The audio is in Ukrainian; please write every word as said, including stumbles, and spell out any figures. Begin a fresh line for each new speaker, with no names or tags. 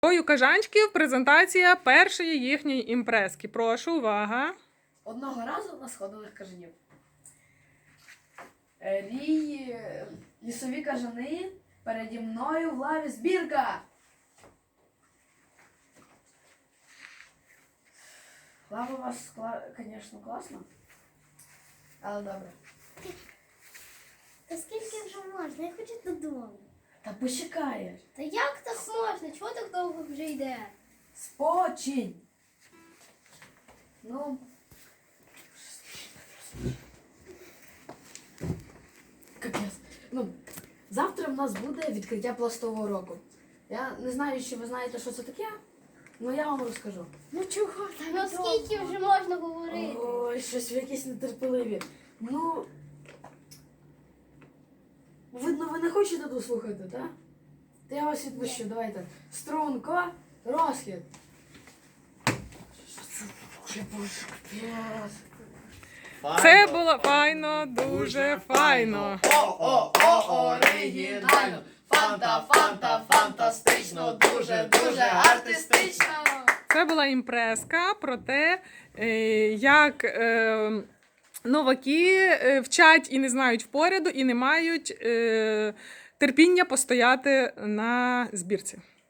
У кажанчиків презентація першої їхньої імпрески. Прошу, увага.
Одного разу на сходових кажанів. Рій, лісові кажани, переді мною в лаві збірка. Лава у вас, звісно, класна, але добре.
Та скільки вже можна? Я хочу додому.
Та почекаєш.
Та як так можна? Чого так довго вже йде?
Спочинь. Ну. Капець. Ну, завтра в нас буде відкриття пластового року. Я не знаю, чи ви знаєте, що це таке, але я вам розкажу.
Ну чого? Та ну скільки вже можна говорити?
Ой, щось ви якісь нетерпеливі. Ну, видно, ви не хочете дослухати, так? Та я вас відпущу, давайте. Струнко, розхід. Що це таке, боже, капець.
Це було файно, дуже файно.
О-о-о, оригінально. Фанта, фанта, фантастично, дуже, дуже артистично.
Це була імпреска про те, е, як е, новаки е, вчать і не знають впоряду, і не мають е, терпіння постояти на збірці.